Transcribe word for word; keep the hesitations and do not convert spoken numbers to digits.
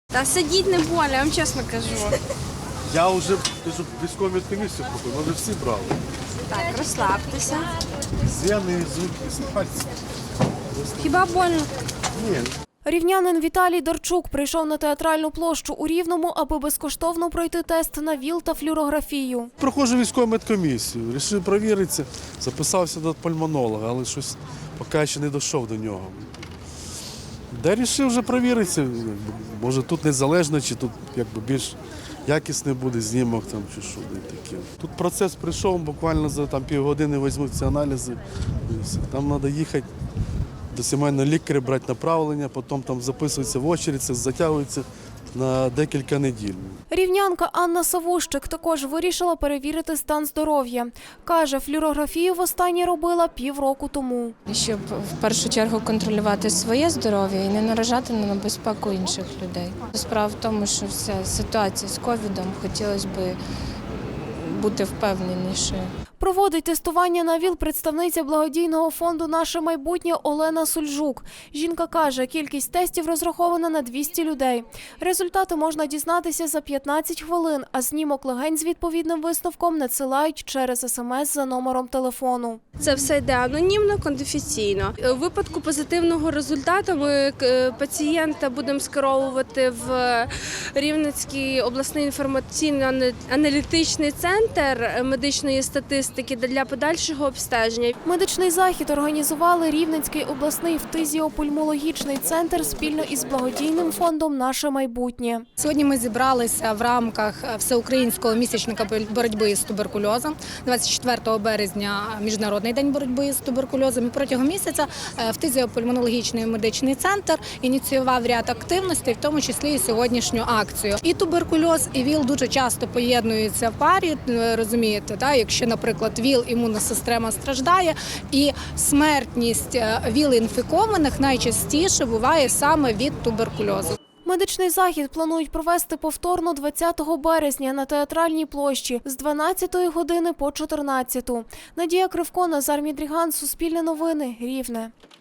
Та сидіть не больно, я вам чесно кажу. Я вже кажу, військову медкомісію купив, ми вже всі брали. Так, розслабтеся. З'яни, звуки, пальці. Хіба больно? Ні. Рівнянин Віталій Дарчук прийшов на Театральну площу у Рівному, аби безкоштовно пройти тест на ВІЛ та флюорографію. Проходжу військову медкомісію, вирішив перевіритися, записався до пульмонолога, але щось поки ще не дійшов до нього. Де вирішив вже перевіритися, може тут незалежно, чи тут якби більш якісний буде знімок там, чи що таке. Тут процес прийшов, буквально за там, півгодини візьмуть ці аналізи. Там треба їхати до сімейного лікаря, брати направлення, потім там записуються в очередь, це затягується на декілька неділь. Рівнянка Анна Савущик також вирішила перевірити стан здоров'я. Каже, флюорографію востаннє робила півроку тому. Щоб в першу чергу контролювати своє здоров'я і не наражати на безпеку інших людей. Справа в тому, що вся ситуація з ковідом, хотілося б бути впевненішою. Проводить тестування на ВІЛ представниця благодійного фонду «Наше майбутнє» Олена Сульжук. Жінка каже, кількість тестів розрахована на двісті людей. Результати можна дізнатися за п'ятнадцять хвилин, а знімок легень з відповідним висновком надсилають через смс за номером телефону. Це все йде анонімно, конфіденційно. У випадку позитивного результату ми пацієнта будемо скеровувати в Рівненський обласний інформаційно-аналітичний центр медичної статистики для подальшого обстеження. Медичний захід організували Рівненський обласний фтизіопульмологічний центр спільно із благодійним фондом «Наше майбутнє». Сьогодні ми зібралися в рамках всеукраїнського місячника боротьби з туберкульозом. двадцять четвертого березня – Міжнародний день боротьби з туберкульозом. І протягом місяця фтизіопульмонологічний медичний центр ініціював ряд активностей, в тому числі і сьогоднішню акцію. І туберкульоз, і ВІЛ дуже часто поєднуються в парі, розумієте, так? Якщо, наприклад, ВІЛ імунна система страждає, і смертність ВІЛ-інфікованих найчастіше буває саме від туберкульозу. Медичний захід планують провести повторно двадцятого березня на Театральній площі з дванадцятої години по чотирнадцяту. Надія Кривко, Назар Мідріган, Суспільне новини, Рівне.